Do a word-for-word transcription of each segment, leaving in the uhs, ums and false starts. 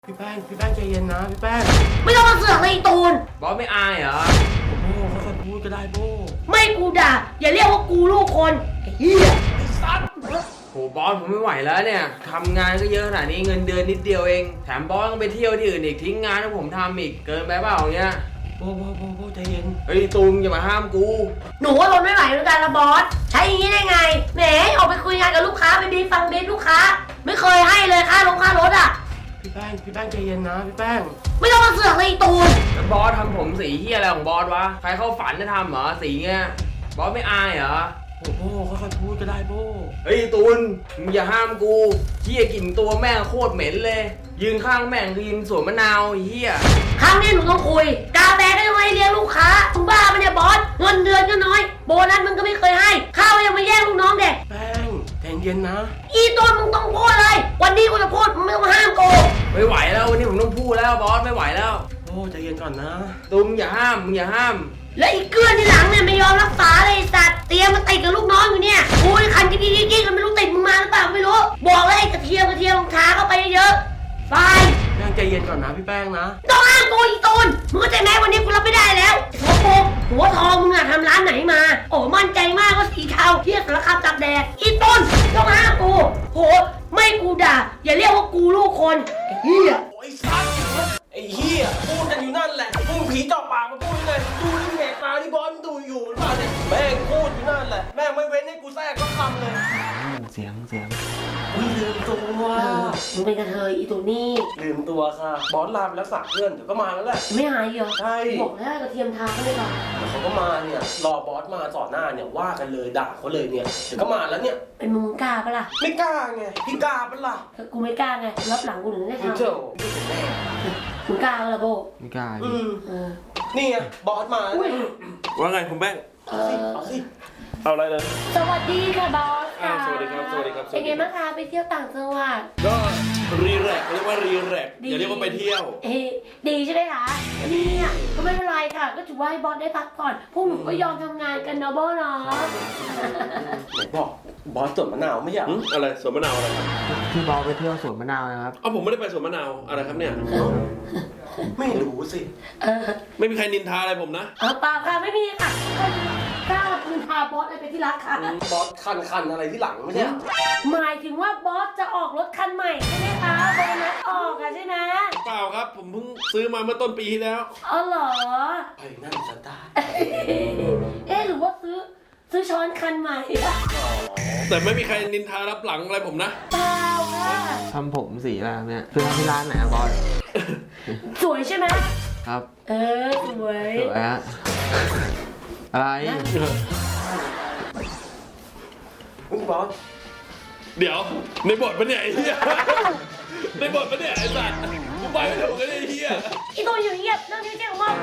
พี่แป้งพี่แป้งใจเย็นนะพี่แป้งไม่ต้องมาเสือกเลยตูนบอสไม่อายเหรอโอ้ค่อยๆพูดก็ได้โบ้ไม่กูด่าอย่าเรียกว่ากูลูกคนไอ้เหี้ยไอ้สัตว์โหบอสผมไม่ไหวแล้วเนี่ยทำงานก็เยอะขนาดนี้เงินเดือนนิดเดียวเองแถมบอสต้องไปเที่ยวที่อื่นอีกทิ้งงานให้ผมทำอีกเกินไปเปล่าเนี้ยโบ้โบ้โบ้โบ้ใจเย็นเฮ้ยตูมอย่ามาห้ามกูหนูว่าทนไม่ไหวเหมือนกันละบอสใช้อย่างนี้ได้ไงแหมออกไปคุยงานกับลูกค้าไปบีฟังบีลูกค้าไม่เคยให้เลยค่าลงค่ารถอ่ะพี่แป้งพี่แป้งใจเย็นนะพี่แป้งไม่ต้องมาเสือกเลยตูนแล้วบอสทำผมสีเหี้ยอะไรของบอสวะใครเข้าฝันจะทำเหรอสีเงี้ยบอสไม่อายเหรอโอ้โบ้ค่อยๆพูดก็ได้โบ้เฮ้ยตูนมึงอย่าห้ามกูเหี้ยกลิ่นตัวแม่งโคตรเหม็นเลยยืนข้างแม่งคือยืนสวนมะนาวเหี้ยครั้งนี้หนูต้องคุยกาแฟก็ยังไม่เลี้ยงลูกค้ามึงบ้าปะเนี่ยบอสเงินเดือนก็น้อยโบนัสมึงก็ไม่เคยให้ข้าวยังมาแย่งลูกน้องเด็กแป้งใจเย็นนะอีตูนมึงต้องพูดเลยวันนี้กูจะพูดมึงไม่ต้องห้ามกูไม่ไหวแล้ววันนี้ผมต้องพูดแล้วบอสไม่ไหวแล้วโอ้ใจเย็นก่อนนะตูมอย่าห้ามมึงอย่าห้ามและอีกเกื้อนที่หลังเนี่ยไม่ยอมรักษาเลยสัตว์เตรียมมาติดกับลูกน้องอยู่เนี่ยกูไอ้คันกิ๊กกิ๊กกิ๊กไม่รู้ติดมึงมาหรือเปล่าไม่รู้บอกเลยไอ้กระเทียมกระเทียมลงท้าเข้าไปเยอะไปแป้งใจเย็นก่อนนะพี่แป้งนะต้องห้ามกูอีตูนมึงเข้าใจไหมวันนี้กูรับไม่ได้แล้วหัวโปกหัวทองมึงอะทำร้านไหนมาโอ้มั่นใจมากว่าสีเทาเที่ยสารคามตักแดดอีตูนต้องห้ามกูโหไม่กูด่าอย่าเรียกว่ากูลูกคนไอ้เหี้ยไอ้สัตว์ไอ้เหี้ยพูดกันอยู่นั่นแหละมึงผีจ่อปากมาพูดยังไงดูที่เหตุการณ์ที่บอสดูอยู่หรือเปล่าเนี่ยแม่งพูดอยู่นั่นแหละแม่งไม่เว้นให้กูแทรกก็คำเลยเสียงเสียงอุ้ยลืมตัวมึงเป็นกระเทยอีตูนี่ลืมตัวค่ะบอสลาไปแล้วสักเพื่อนเดี๋ยวก็มาแล้วแหละไม่หายเหรอใช่บอกแล้วกระเทียมทาเขาเลยก่อนเดี๋ยวเขาก็มาเนี่ยรอบอสมาสอนหน้าเนี่ยว่ากันเลยด่าเขาเลยเนี่ยเดี๋ยวก็มาแล้วเนี่ยเป็นมึงกล้าปะล่ะไม่กล้าไงพี่กล้าปะล่ะกูไม่กล้าไงรับหลังกูถึงได้ทำเจ้ามึงกล้าปะล่ะโบไม่กล้าอืมนี่ไงบอสมาว่าไงคุณแป้งเอาสิเอาอะไรเลยสวัสดีค่ะบอสค่ะสวัสดีครับสวัสดีครับเป็นไงบ้างคะไปเที่ยวต่างจังหวัดก็รีแลกเรียกว่ารีแลกอย่าเรียกว่าไปเที่ยวเอ๊ดีใช่ไหมคะนี่อ่ะก็ไม่เป็นไรค่ะก็ถือว่าให้บอสได้พักผ่อนพวกหนูก็ยอมทำงานกันนะโบเนาะไหนบอกบอสสวนมะนาวไม่ใช่อะไรสวนมะนาวอะไรครับพี่บอสไปเที่ยวสวนมะนาวนะครับอ๋อผมไม่ได้ไปสวนมะนาวอะไรครับเนี่ยไม่รู้สิไม่มีใครนินทาอะไรผมนะเออเปล่าค่ะไม่มีค่ะกล้านินทาบอสอะไรเป็นที่รักค่ะบอสคันคันอะไรที่หลังไม่ใช่หมายถึงว่าบอสจะออกรถคันใหม่ใช่ไหมคะโบนัสออกอะใช่ไหมเปล่าครับผมเพิ่งซื้อมาเมื่อต้นปีที่แล้วอ๋อเหรอไอ้นั่นสตาร์เอ๊ะหรือว่าซื้อซื้อช้อนคันใหม่แต่ไม่มีใครนินทารับหลังอะไรผมนะเปล่าค่ะทำผมสีอะไรเนี่ยคือทำที่ร้านไหนอะบอสสวยใช่ไหมครับเออสวยสวยฮะอะไรมึงบอสเดี๋ยวในบทปะเนี่ยไอ้เหี้ยในบทปะเนี่ยไอ้สัตว์กูไปไม่ถูกกันไอ้เหี้ยไอ้ตัวอยู่เงียบเรื่องนี้เจ๊ของมึง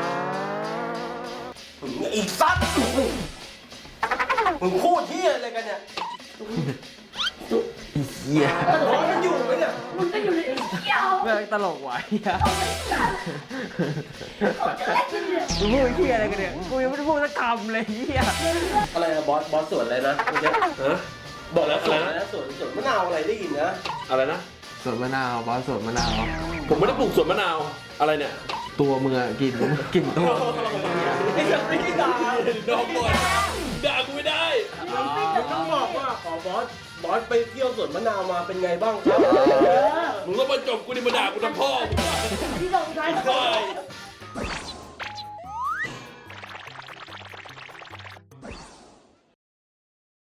ไอ้สัตว์มึงพูดเหี้ยอะไรกันเนี่ยเหี้ยบอสมันอยู่ไหมเนี่ยมึงก็อยู่ในเหี้ยแม่งตลกว่ะเหี้ยมึงพูดเหี้ยอะไรกันเนี่ยกูยังไม่ได้พูดสักคำเลยเหี้ยอะไรนะบอสบอสสวนอะไรนะเมื่อกี้ฮะบอกแล้วอะไรนะสวนสวนมะนาวอะไรได้ยินนะอะไรนะสวนมะนาวบอสสวนมะนาวผมไม่ได้ปลูกสวนมะนาวอะไรเนี่ยตัวมึงอะกินกินตัวไอ้สัตว์ไม่ได้ด่าดอกบอลด่ากูไม่ได้มึงต้องบอกว่าขอบอสบอสไปเที่ยวสวนมะนาวมาเป็นไงบ้างครับมึงต้องมาจบกูดิมาด่ากูทำพ่อที่ลงท้ายพ่อ